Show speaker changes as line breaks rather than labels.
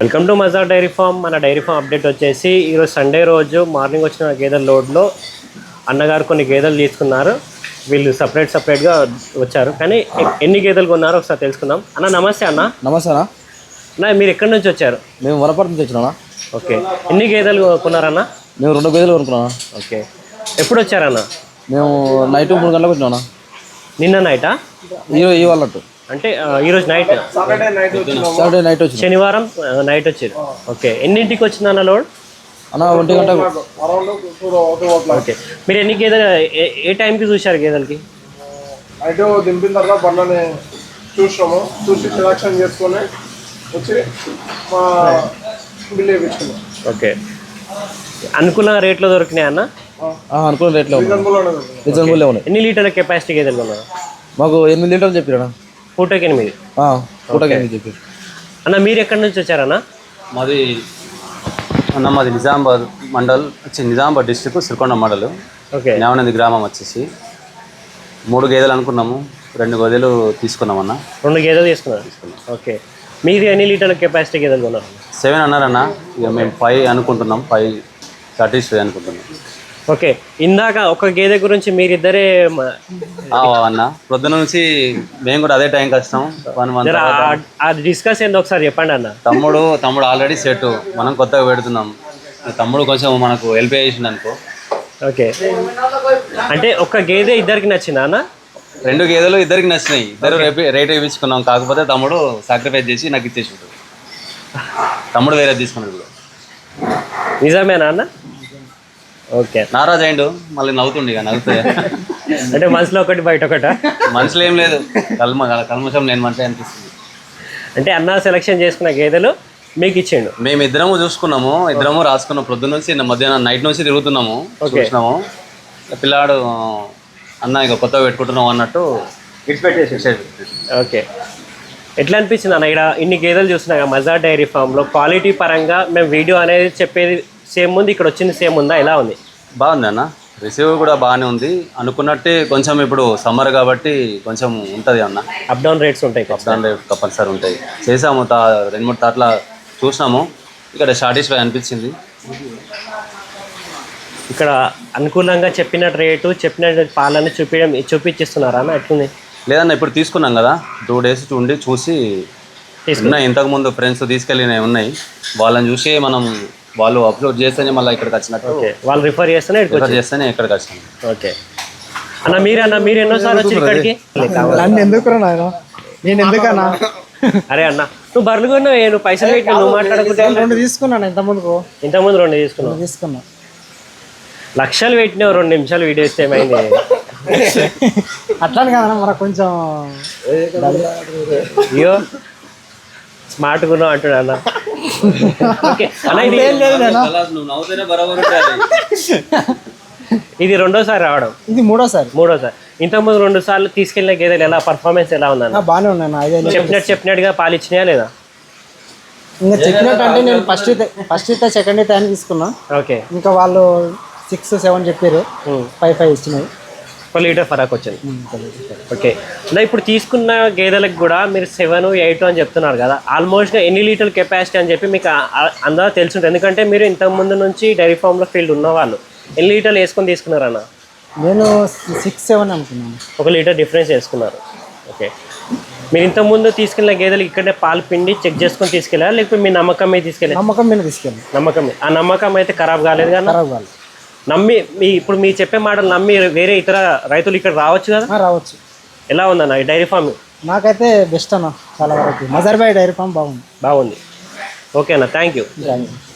Welcome to Mazhar dairy farm. మన dairy farm update వచ్చేసి ఈరోజు సండే రోజు మార్నింగ్ వచ్చిన గేదెల లోడ్లో అన్నగారు కొన్ని గేదెలు తీసుకున్నారు. వీళ్ళు సపరేట్గా వచ్చారు, కానీ ఎన్ని గేదెలు కొన్నారో ఒకసారి తెలుసుకుందాం. అన్న నమస్తే. అన్న
నమస్తే
అన్న, మీరు ఎక్కడి నుంచి వచ్చారు?
మేము వనపర్తి నుంచి వచ్చినా.
ఓకే, ఎన్ని గేదెలు కొన్నారన్న?
మేము 2 గేదెలు కొనుక్కున్నా.
ఓకే, ఎప్పుడు వచ్చారన్న?
మేము నైట్ 3 గంటలకు వచ్చినా.
నిన్న నైటా?
ఇవాళ
అంటే ఈరోజు నైట్,
సాటర్డే నైట్ వచ్చి,
శనివారం నైట్ వచ్చారు. ఓకే, ఎన్నింటికి వచ్చిందన్న లోడ్?
అన్న 1 గంటకు.
ఓకే, మీరు ఎన్ని గేదెలు ఏ టైంకి చూశారు గేదెలకి?
అయితే దింపిన తర్వాత బండ్లని చూసి సెలక్షన్ చేసుకొని వచ్చి మా బిల్ వేయించుకున్నాం.
ఓకే, అనుకున్న రేట్లో దొరికినాయి అన్న?
అనుకున్న రేట్లో రీజనబుల్ ఉన్నాయి.
ఎన్ని లీటర్ల కెపాసిటీ గేదెలు కొన్నారు?
మాకు 8 లీటర్లు చెప్పారు.
పూటకి 8.
పూటకి 8 చెప్పారు.
అన్న మీరు ఎక్కడి నుంచి వచ్చారన్న?
మాది నిజామాబాద్ మండల్, నిజామాబాద్ డిస్టిక్, సిరికొండ మండల్.
ఓకే,
న్యావనంది గ్రామం వచ్చేసి 3 గేదెలు అనుకున్నాము, 2 గేదెలు తీసుకున్నామన్న.
2 గేదెలు తీసుకున్నారు. ఓకే, మీది ఎన్ని లీటర్ల కెపాసిటీ గేదెలు కొన్నారు?
7 అన్నారన్న. ఇక మేము 5 అనుకుంటున్నాం, 5 సాటిస్ఫై అనుకుంటున్నాం.
ఓకే, ఇందాక ఒక గేదె గురించి మీరిద్దరే
అన్న పొద్దున నుంచి మేము కూడా అదే టైంకి వస్తాం.
అది డిస్కస్ ఏందో ఒకసారి చెప్పండి అన్న.
తమ్ముడు ఆల్రెడీ సెట్, మనం కొత్తగా పెడుతున్నాం. తమ్ముడు కొంచెం మనకు హెల్ప్ చేసింది అనుకో.
ఓకే, అంటే ఒక గేదె ఇద్దరికి నచ్చిందా అన్న?
2 గేదెలు ఇద్దరికి నచ్చినాయి, ఇద్దరు రేట్ వేయించుకున్నాం. కాకపోతే తమ్ముడు సాక్రిఫైస్ చేసి నాకు ఇచ్చేసి ఉంటాడు. తమ్ముడు వేరే తీసుకున్నాడు.
నిజమేనా అన్న? ఓకే,
నారాజ్ అయిండు, మళ్ళీ నవ్వుతుండే. ఇక నవ్వుతాయి
అంటే మనసులో ఒకటి బయట ఒకట?
మనసులో ఏం లేదు, కల్మషం లేని మంచి అనిపిస్తుంది.
అంటే అన్న సెలెక్షన్ చేసుకున్న గేదెలు మీకు ఇచ్చిండు.
మేము ఇద్దరము చూసుకున్నాము, ఇద్దరము రాసుకున్నాం. పొద్దున్న నుంచి మధ్యాహ్నం నైట్ నుంచి తిరుగుతున్నాము, చూసినాము. పిల్లాడు అన్న ఇక కొత్తగా పెట్టుకుంటున్నాం అన్నట్టు ఇడిచిపెట్టేసి.
ఓకే, ఎట్లా అనిపించింది అన్న ఇక్కడ ఇన్ని గేదెలు చూసినాక మజార్ డైరీ ఫామ్లో? క్వాలిటీ పరంగా మేము వీడియో అనేది చెప్పేది సేమ్ ఉంది, ఇక్కడ వచ్చింది సేమ్ ఉందా? ఎలా ఉంది?
బాగుంది అన్న, రిసీవ్ కూడా బాగానే ఉంది. అనుకున్నట్టే కొంచెం ఇప్పుడు సమ్మర్ కాబట్టి కొంచెం ఉంటుంది అన్న.
అప్ డౌన్ రేట్స్ ఉంటాయి.
అప్ డౌన్ రేట్ కంపల్సరీ ఉంటాయి. చేసాము 2-3 తాట్ల చూసినాము, ఇక్కడ సాటిస్ఫై అనిపించింది.
ఇక్కడ అనుకూలంగా చెప్పిన రేటు, చెప్పిన పాలని చూపించిస్తున్నారా అన్న? ఎట్లుంది?
లేదన్న, ఇప్పుడు తీసుకున్నాం కదా, 2 డేస్ ఉండి చూసి ఉన్నాయి. ఇంతకుముందు ఫ్రెండ్స్ తీసుకెళ్ళినవి ఉన్నాయి, వాళ్ళని చూసి వాళ్ళు అప్లోడ్ చేస్తేనే మళ్ళీ ఇక్కడికి వచ్చినట్టు.
వాళ్ళు రిఫర్ చేస్తేనే
ఇక్కడికి వచ్చాను.
ఓకే అన్న, మీరు ఎన్నోసార్లు వచ్చి ఇక్కడికి?
నేను ఎందుకన్నా?
అరే అన్న, నువ్వు బర్రెలు కొన్నావు, నువ్వు పైసలు పెట్టి నువ్వు మాట్లాడుకుంటే.
2 తీసుకున్నాను ఇంతకుముందు
2 తీసుకున్నా. లక్షలు పెట్టినావు, 2 నిమిషాలు వీడియో ఇస్తే ఏమైంది?
అట్లానే కదన్నా, మనకు కొంచెం
అయ్యో స్మార్ట్ గున్నావు అంటున్నా అన్న. ఇది 2వ రావడం?
ఇది 3వ.
ఇంతకుముందు 2 సార్లు తీసుకెళ్ళిన గేదెలు ఎలా పర్ఫార్మెన్స్ ఎలా ఉందన్న?
బాగానే ఉన్నాయి.
చెప్పినట్టుగా పాలు ఇచ్చినాయా లేదా?
ఇంకా చెప్పినట్టు అంటే నేను ఫస్ట్ ఇస్తే సెకండ్ ఇస్తే అని తీసుకున్నా.
ఓకే,
ఇంకా వాళ్ళు 6-7 చెప్పారు, 5 ఇచ్చినాయి.
1 లీటర్ ఫరాక్ వచ్చింది. ఓకే, ఇలా ఇప్పుడు తీసుకున్న గేదెలకు కూడా మీరు 7-8 అని చెప్తున్నారు కదా, ఆల్మోస్ట్గా ఎన్ని లీటర్ల కెపాసిటీ అని చెప్పి మీకు అందరూ తెలుసుంటుంది. ఎందుకంటే మీరు ఇంతకుముందు నుంచి డైరీ ఫామ్లో ఫీల్డ్ ఉన్నవాళ్ళు. ఎన్ని లీటర్లు వేసుకొని తీసుకున్నారన్న?
నేను 6-7 అనుకున్నాను.
1 లీటర్ డిఫరెన్స్ వేసుకున్నారు. ఓకే, మీరు ఇంతకుముందు తీసుకెళ్ళిన గేదెలు ఇక్కడే పాలు పిండి చెక్ చేసుకొని తీసుకెళ్ళారా, లేకపోతే మీ నమ్మకం మీద తీసుకెళ్ళారు?
నమ్మకం మీద తీసుకెళ్ళి.
ఆ నమ్మకం అయితే ఖరాబ్ కాలేదు కదా?
ఖరాబ్ కాలేదు.
నమ్మి ఇప్పుడు మీ చెప్పే మాటలు నమ్మి వేరే ఇతర రైతులు ఇక్కడ రావచ్చు కదా?
రావచ్చు.
ఎలా ఉందన్న ఈ డైరీ ఫామ్?
నాకైతే బెస్ట్ అన్న, చాలా వరకు మజార్ భాయ్ డైరీ ఫామ్ బాగుంది.
ఓకే అన్న, థ్యాంక్ యూ.